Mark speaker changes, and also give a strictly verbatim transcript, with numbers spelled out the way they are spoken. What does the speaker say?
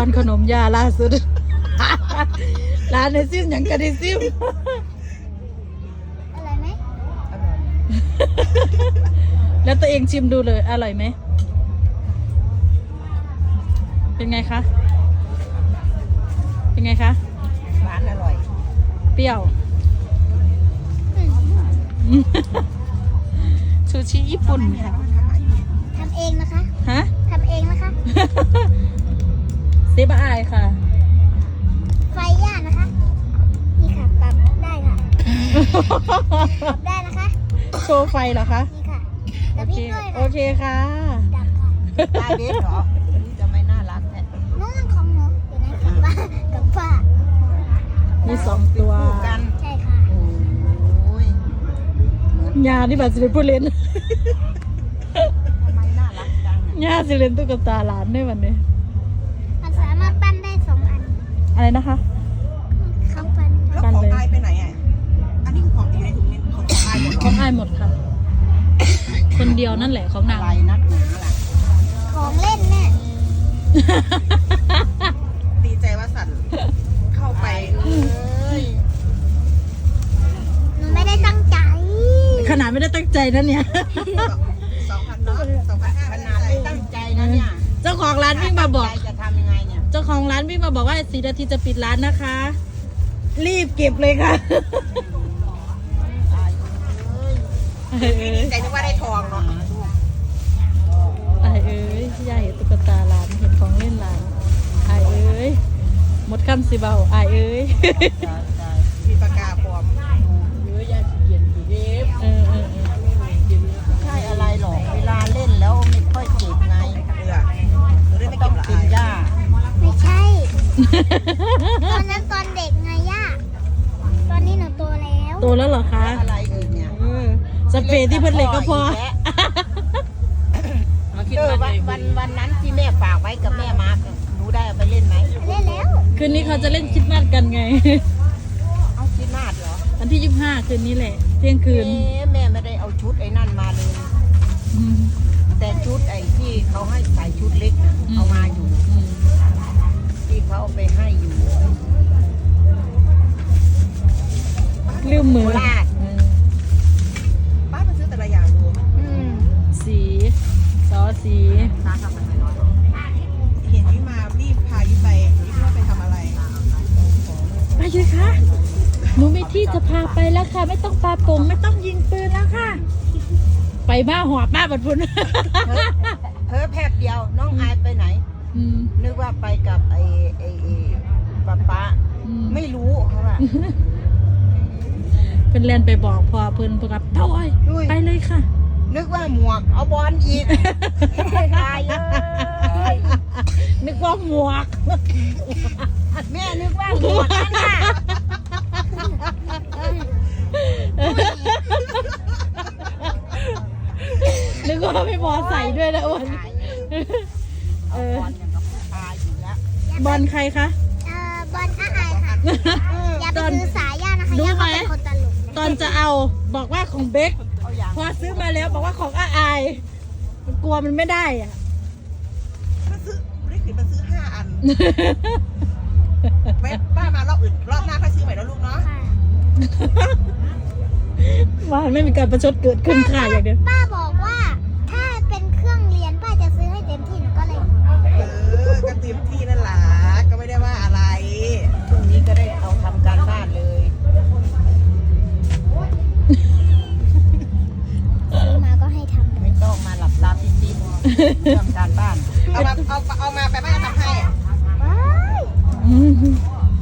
Speaker 1: อนขนมยาล่าสุด ร้านในซิมอย่างกระดิซิม
Speaker 2: อร่อยไหม
Speaker 3: อร่อย
Speaker 1: แล้วตัวเองชิมดูเลยอร่อยไหมเป็นไงคะเป็นไงคะ
Speaker 3: หวานอร่อย
Speaker 1: เปรี้ยว
Speaker 2: อืม
Speaker 1: ซูชิญี่ปุ่นค่ะ
Speaker 2: ทำเองนะคะ
Speaker 1: ฮะ
Speaker 2: ทำเองนะคะ
Speaker 1: เซบะอายค่ะ
Speaker 2: ไฟย่านะคะ นี่ค่ะปรับได้ค่ะปรับได้นะคะ
Speaker 1: โชว์ไฟเหรอคะ
Speaker 2: นี่ค่ะก
Speaker 1: โอ
Speaker 2: ระพ
Speaker 1: เค
Speaker 2: ริบด้วย
Speaker 1: โอ
Speaker 2: ค่ะ
Speaker 1: เคค่ะ
Speaker 2: ดับค่ะ
Speaker 3: ตาเบสเหรอนี่จะไม่น่ารักแท้
Speaker 2: นู่นของหนูอยู่ไหนกับป้ากับป้า
Speaker 1: มีสองตัว
Speaker 3: คู่กัน
Speaker 2: ใช่ค่ะ
Speaker 3: โอ้ยเหมือน
Speaker 1: ยานี่แบบสิเลนผู้เล่น
Speaker 3: ทำไมน่ารักจังอะ
Speaker 1: ยาสิเลนตุ๊กตาหลานด้วยวันนี้
Speaker 2: มันสามารถปั้นได้สองอัน
Speaker 1: อะไรนะคะ
Speaker 2: เขาปั้น
Speaker 4: แล้วของอายไปไหนอ่ะ อันนี้ของอยู่ในถุงนี้ของอายหมดเหร
Speaker 1: ข
Speaker 4: อ
Speaker 1: องอายหมดค่ะ คนเดียวนั่นแหละของนาง
Speaker 3: อะไรนักหนาล่ะ
Speaker 2: ของเล่นแม่
Speaker 4: ดีใจว่าสัตว์เข้าไป
Speaker 3: เอ้ย
Speaker 2: หนูไม่ได้ตั้งใจ
Speaker 1: ขนาดไม่ได้ตั้งใจนะเนี่ย
Speaker 4: สองพันเนาะสองพันห้า
Speaker 3: ขนาดไม่ตั้งใจนะเนี่ย
Speaker 1: เจ้าของร้านวิ่งมาบอก
Speaker 3: ตั้งใจจะทำยังไงเนี่ย
Speaker 1: เจ้าของร้านวิ่งมาบอกว่าสี่นาทีจะปิดร้านนะคะ รีบเก็บเลยค่ะ
Speaker 3: ตายเอ้ย
Speaker 4: ดีใจนึกว่าได้ทองเนาะ
Speaker 1: ไอายเอ้ยยายเห็นตุ๊กตาร้านเห็นของเล่นร้านไอายเอ้ยหมดคำสิเบาไอายเอ้ย
Speaker 3: ตายตาย
Speaker 4: มีปากกาปลอม
Speaker 3: เยอะยาขี้เกียจอยู่เดฟ
Speaker 1: เออเออเออ
Speaker 3: ใช่อะไรหรอกเวลาเล่นแล้วไม่ค่อยเจ็บไง
Speaker 4: เอือหนูได้ไม่
Speaker 3: ต้
Speaker 4: เก็
Speaker 3: อบ ง
Speaker 4: ละ
Speaker 3: กิ
Speaker 4: อาน ย
Speaker 3: ยา
Speaker 2: ไม่ใช่ ตอนนั้นตอนเด็กไงย่า ตอนนี้หนูโตแล้ว
Speaker 1: โตแล้วเหรอคะ
Speaker 3: อะไรอีกเนี่ย
Speaker 1: เออสเปรย์ที่เพิ่นเหล็กก็พอ
Speaker 3: เออวันวันวันนั้นที่แม่ฝากไว้กับแม่มาร์กหนูได้เอาไปเล่นไหม
Speaker 2: เล่นแล้ว
Speaker 1: คืนนี้เขาจะเล่นคริดมาสกันไง
Speaker 3: เอาคิดนาดเหรอ
Speaker 1: วันที่ยี่สิบห้าคืนนี้แหละ เที่ยงคืน
Speaker 3: เอ๊ะแม่ไม่ได้เอาชุดไอ้นั่นมาเลย
Speaker 1: อืม
Speaker 3: แต่ชุดไอ้ที่เขาให้ใส่ชุดเล็กน่ะ
Speaker 1: อืม
Speaker 3: เอามาอยู่
Speaker 1: อืม
Speaker 3: ที่เขาเอาไปให้อยู่
Speaker 1: ลืมมือ
Speaker 3: โคราช
Speaker 1: อืม
Speaker 4: ป้ามาซื้อแต่ละอย่างดู
Speaker 3: อืม
Speaker 1: สีซอสี
Speaker 4: เห็นที่มารีบพายิ้มไปยิ้มว่าไปทำอะไร
Speaker 1: ไปเลยค่ะหนูมีที่จะพาไปแล้วค่ะ ไม่ต้องปาโป่งไม่ต้องยิงปืนแล้วค่ะ ไปบ้าหัวป้าบัดพุน
Speaker 3: เฮ้ยแพบเดียวน้องอายไปไหน
Speaker 1: อืม
Speaker 3: นึกว่าไปกับไอ้ไอ้ไอ้ป้าป้า
Speaker 1: อืม
Speaker 3: ไม่รู้เขาว่า
Speaker 1: เพิ่นเล่นไปบอกพอเพิ่นเพิ่นกับเต้าอ้อย
Speaker 3: อุ้ย
Speaker 1: ไปเลยค่ะ
Speaker 3: นึกว่าหมวกเอาบอลอีกตายเอ้ย
Speaker 1: นึกว่าหมวก
Speaker 3: แม่นึกว่าหมวกนั่นน่ะ
Speaker 1: นึกว่าไม่พอใส่ด้วยนะอ้วน
Speaker 3: ตายเลยเอาบอลอย่างกับผู้ชายอยู่แล้ว
Speaker 1: บอลใครคะ
Speaker 2: เอ่อบอลอาอายค่ะ อย่าไป
Speaker 1: ตอน
Speaker 2: ถือสายย่านะคะ
Speaker 1: รู้
Speaker 2: ย่า
Speaker 1: ไหม
Speaker 2: เขาเป็นคนตลก
Speaker 1: ตอนจะเอาบอกว่าของเบค
Speaker 3: เอาอย่าง
Speaker 1: พอซื้อมาแล้วบอกว่าของอาอายมันกลัวมันไม่ได้อ่ะ
Speaker 4: ก็ซื้อไม่ได้ขึ้นมาซื้อห้าอันไว้ป้ามารอบอื่นรอบหน้าค่อยซื้อใหม่แล้วลูกเนาะ
Speaker 2: ค่ะ
Speaker 1: ว่าไม่มีการประชดเกิดขึ้นค่ะอย่างเดียว
Speaker 2: ป้าบอกว่าถ้าเป็นเครื่องเรียนป้าจะซื้อให้เต็มที่หนูก็เลย
Speaker 4: เออก็เต็มที่นั่นแหละก็ไม่ได้ว่าอะไร
Speaker 3: พรุ่งนี้ก็ได้เอาทำการบ้านเลย
Speaker 2: ซื้อมาก็ให้ทำเล
Speaker 3: ไม่
Speaker 2: ย
Speaker 3: ต้องมาหลับตาปิดๆเรื่องการบ้าน
Speaker 4: เอามาเอาเอามาไปป้าจะทำให้
Speaker 2: ว้าย
Speaker 1: อืม